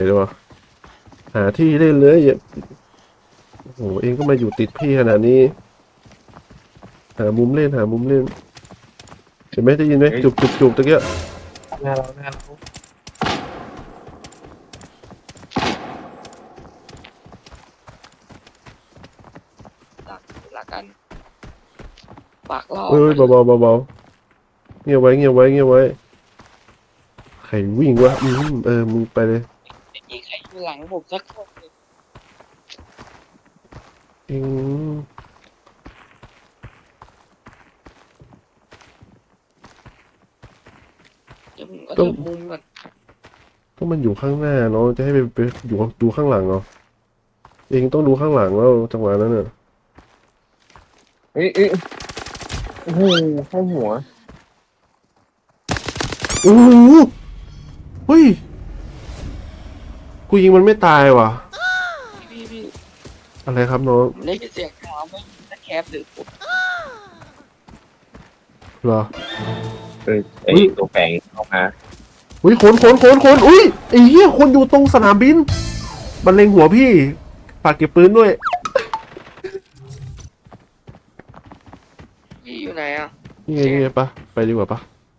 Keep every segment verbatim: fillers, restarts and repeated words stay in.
เดี๋ยวหาที่เล่นเลยอย่าโอ้โหเองก็มาอยู่ติดพี่ขนาดนี้หามุมเล่นหามุมเล่นเห็นไหมได้ยินไหมจุบจุบจุบตะเกียบหน้าเราหน้าเราหลักหลักกันปากล่อเอ้ยเบาเบาเบาเบาเงียบไว้เงียบไว้เงียบไว้ใครวิ่งวะอืมเออมึงไปเลยไม่มีใครอยู่หลังผมสักคนเลยเองเดี๋ยวผมก็จะมุมก่อนต้องมันอยู่ข้างหน้าเนาะจะให้ไปไปอยู่ดูข้างหลังเหรอเองต้องดูข้างหลังแล้วจังหวะนั้นน่ะเอ้ยเอ้ยโอ้โหเข้าหัวโอ้โหเฮ้ยกูยิงมันไม่ตายว่ะพี่พี่อะไรครับน้องผมได้ยินเสียงเท้าไม่ตะแคบหรือผมเหรอเออไอ้ตัวแฝงเข้ามาอุ้ยคนคนคนคนอุ้ยไอ้เหี้ยคนอยู่ตรงสนามบินมันเล็งหัวพี่ฝากเก็บปืนด้วยพี่อยู่ไหนอ่ะนี่ไงนี่ไงปะไปดีกว่าปะ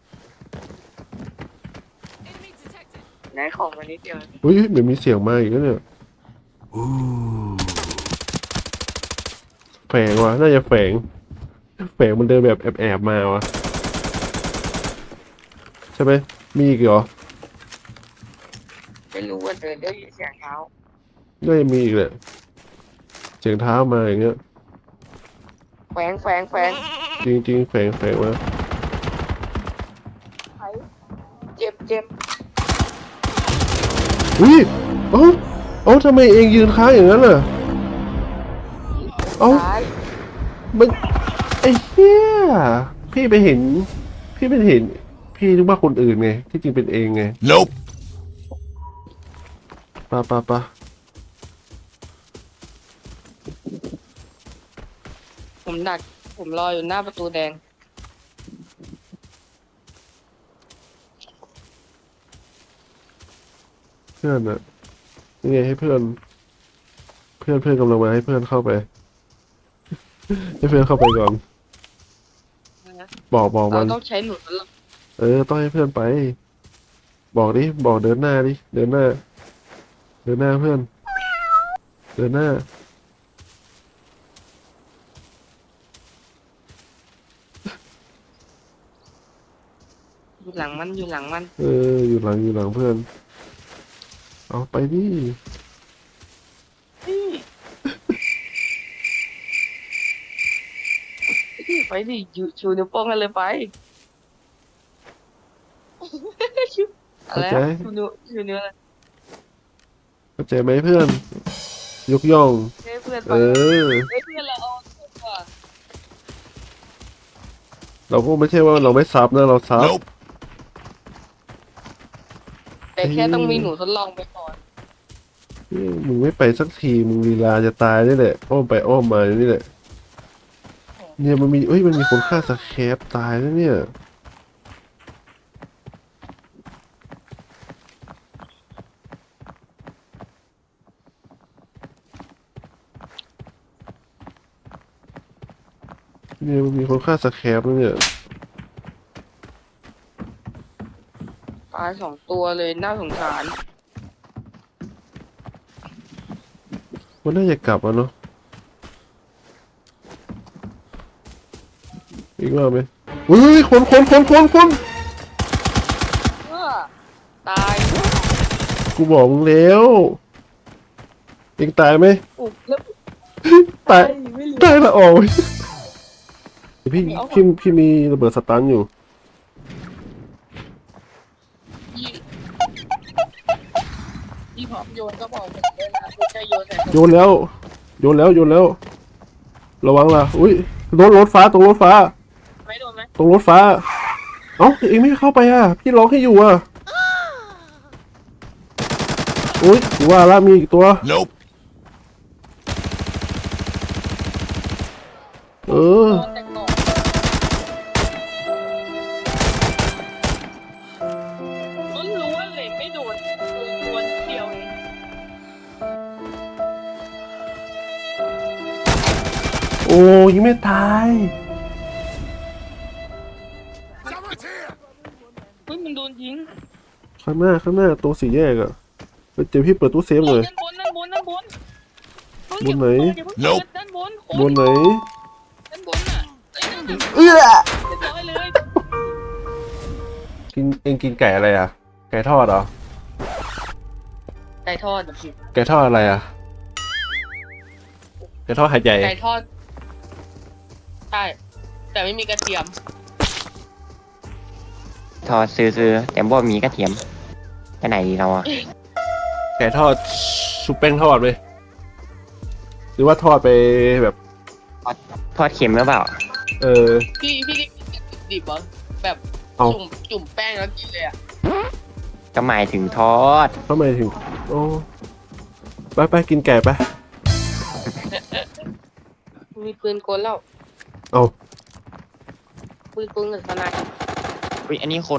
ไหนของมานิดเดียวอุ้ยเหมือนมีเสียงมาอีกแล้วเนี่ยแฝงว่ะน่าจะแฝงแฝงมันเดินแบบแอบแอบมาวะใช่ไหมมีอีกเหรอไม่รู้ว่าเดินได้ยินเสียงเท้าน่าจะมีอีกแหละเสียงเท้ามาอย่างเงี้ยแฝงแฝงแฝงจริงจริงๆแฝงแฝงมาเจ็บเจ็บอุ้ยเอ้าเอ้าทำไมเองยืนค้างอย่างนั้นล่ะเอ้าซ้ายมันไอ้เหี้ยพี่ไปเห็น พี่ไปเห็น พี่นึกว่าคนอื่นไงที่จริงเป็นเองไง Nope ปะปะปะผมดักผมรออยู่หน้าประตูแดงเพื่อนอะนี่ไงให้เพื่อน เพื่อนเพื่อนกำลังมาให้เพื่อนเข้าไป ให้เพื่อนเข้าไปก่อนนะบอกบอกมัเรานต้องใช้หนุนแล้วเออต้องให้เพื่อนไป บอกดิบอกเดินหน้าดิเดินหน้า เดินหน้าเพื่อน เดินหน้าอยู่หลังมันอยู่หลังมันเอออยู่หลังอยู่หลังเพื่อน เอาไปดิพี่ไปดิชูชูนิ้วโป้งกันเลยไปอะไรเข้าใจชูนิ้วชูนิ้วอะไรเข้าใจไหมเพื่อน ยกย่องเฮ้ยเพื่อนไปเออเฮ้ยเพื่อนเราเอาเพื่อนว่ะเราก็ไม่ใช่ว่าเราไม่ซับนะเราซับ Nope แต่แค่ต้องมีหนูทดลองไปก่อนเอ้ยมึงไม่ไปสักทีมึงลีลาจะตายนี่แหละอ้อมไปอ้อมมานี่แหละเนี่ยมันมีเอ้ยมันมีคนฆ่าสแครปตายแล้วเนี่ยเนี่ยมันมีคนฆ่าสแครปแล้วเนี่ยตายสองตัวเลยน่าสงสารมันน่าจะกลับอ่ะเนาะอีกรอบไหมอุ้ยคนคนคนคนคนเออตายกูบอกมึงแล้วเองตายไหมอุบแล้วตายไม่เหลือตายละออกพี่ไม่เอาพี่พี่มีระเบิดสตันอยู่ยี่ยี่หอมโยนก็บอกผมเลยนะไม่ใช่โยนแต่โยนแล้ว โยนแล้วโยนแล้ว ระวังล่ะอุ้ยรถรถฟ้าตรงรถฟ้าไม่โดนไหมตรงรถฟ้า เอ้าเองไม่เข้าไปอ่ะ พี่ร้องให้อยู่อ่ะอุ้ยกูว่าละมีอีกตัว Nope เออโดนแต่ก่อนล้วนๆเลยไม่โดนโดนเดียวเองโอ้ยิงไม่ตายเฮ้ยมันโดนยิงข้างหน้าข้างหน้าตัวสี่แยกอะเฮ้ยเดี๋ยวพี่เปิดตู้เซฟหน่อยด้านบนด้านบนด้านบนเฮ้ยบนไหนอย่าเพิ่งเปิดด้านบนคนบนไหนด้านบนน่ะเอ้ยนั่นน่ะเอื้อเรียบร้อยเลยกินเองกินไก่อะไรอ่ะ ไก่ทอดเหรอไก่ทอดแบบไก่ทอดอะไรอ่ะ ไก่ทอดหาดใหญ่ไก่ทอดใช่แต่ไม่มีกระเทียมทอดซื้อๆแต่บ่มีกระเทียมไปไหนดีเราอะไก่ทอดชุบแป้งทอดเลยหรือว่าทอดไปแบบทอดเค็มหรือเปล่าเออพี่พี่ได้กินแบบดิบๆเหรอแบบเอาจุ่มจุ่มแป้งแล้วกินเลยอ่ะก็หมายถึงทอดทำไมถึงโอ้ไปไปกินไก่ไปมีปืนกลแล้วเอาปืนกลกับสนายอุ้ยอันนี้คน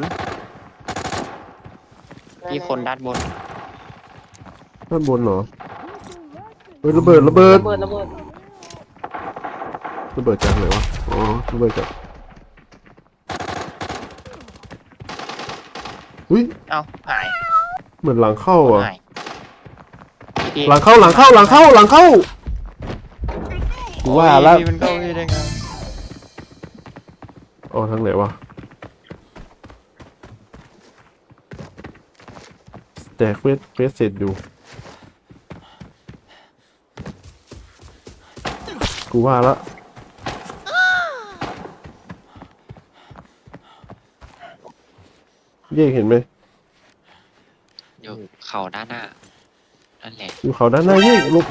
ที่คนด้านบนด้านบนเหรอเฮ้ยระเบิดระเบิดระเบิดระเบิดระเบิดจากไหนวะอ๋อระเบิดจากอุ้ยเอ้าหายเหมือนหลังเข้าอ่ะหายพี่หลังเข้าหลังเข้าหลังเข้าหลังเข้ากูว่าแล้วพี่มันเข้าพี่ได้ไงอ๋อทางไหนวะแต่เควสเควสเสร็จอยู่กูว่าแล้วเย่เห็นไหมอยู่เข่าด้านหน้านั่นแหละอยู่เขาด้านหน้าเย่ลบ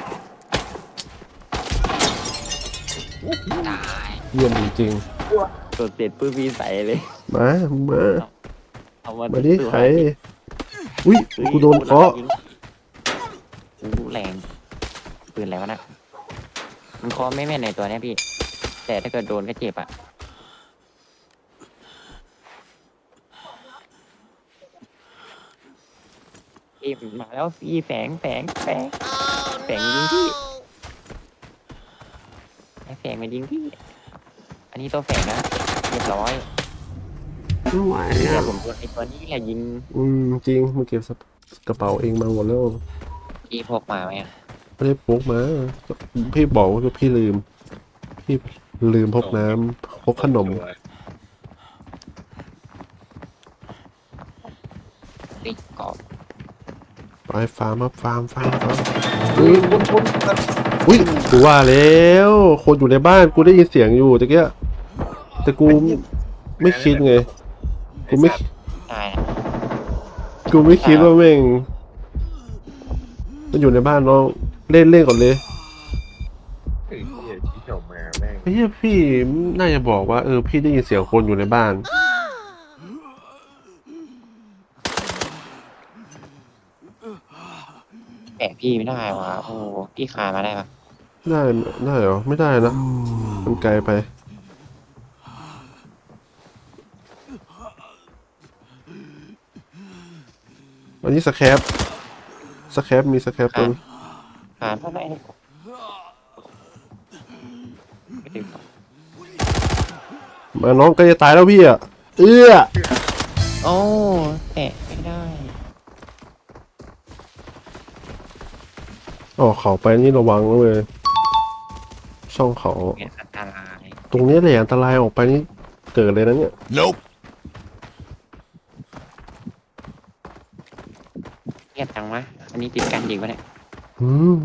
ตายเยี่ยมจริงตดเสร็จปื้มพี่ใส่เลยๆมามาเอามามาดิใครอุ้ยกูโดนเคาะอู้แรงปืนอะไรวะน่ะมันเคาะไม่แม่นในตัวเนี้ยพี่ แต่ถ้าเกิดโดนก็เจ็บอ่ะพี่มาแล้วพี่แฝงแฝงแฝงแฝงยิงพี่ไอ้แฝงมายิงพี่ อันนี้ตัวแฝงนะเรียบร้อยไม่ไหวแต่อ่ะผมโดนไอ้ตัวนี้แหละยิงอืมจริงมึงเก็บกระเป๋าเองมาหมดแล้วพี่พกมาไหมอะไม่ได้พกมาพี่บอกว่าพี่ลืม พี่ลืมพกน้ำพกขนมติ๊กกรอบไปฟาร์มครับฟาร์มฟาร์มฟาร์มอุ้ยอุ้ยกูว่าแล้วคนอยู่ในบ้านกูได้ยินเสียงอยู่ตะเกียแต่กูไม่คิดไงกูไม่ได้นะกูไม่คิดว่าแม่งมันอยู่ในบ้านน้องเล่นเล่นก่อนเลยไอ้เหี้ยที่ออกมาแม่งไอ้เหี้ยพี่น่าจะบอกว่าเออพี่ได้ยินเสียงคนอยู่ในบ้านแปะพี่ไม่ได้วะโอ้พี่คานมาได้ปะได้ได้เหรอไม่ได้นะมันไกลไปอันนี้สแครปสแครปมีสแครปตัวคานมาได้ไม่ถึงมาน้องก็จะตายแล้วพี่อ่ะเอื้อโอ้แตะไม่ได้อ๋อเขาไปนี่ระวังนะเลยช่องเขาเป็นอันตรายตรงนี้แหละอันตรายออกไปนี่เกิดเลยนะเนี่ย Nope เงียบจังวะอันนี้ติดกันจริงปะเนี่ยอืม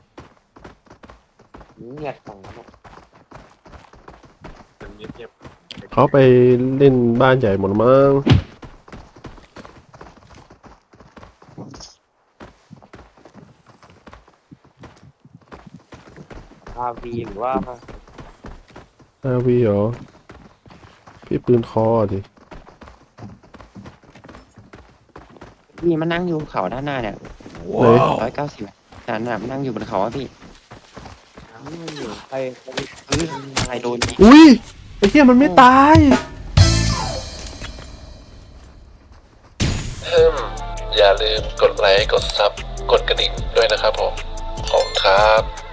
เงียบจังวะมันเงียบเขาไปเล่นบ้านใหญ่หมดมั้งอาวีหรือว่าอาวีเหรอพี่ปืนคอดิพี่มันนั่งอยู่เขาด้านหน้าเนี่ยไหนร้อยเก้าสิบนั่นน่ะมันนั่งอยู่บนเขาอะพี่ใครใครเฮ้ยใครโดนยิงอุ้ยไอ้เหี้ยมันไม่ตายอย่าลืมกดไลค์ กดซับ กดกระดิ่งด้วยนะครับผม ขอบคุณครับ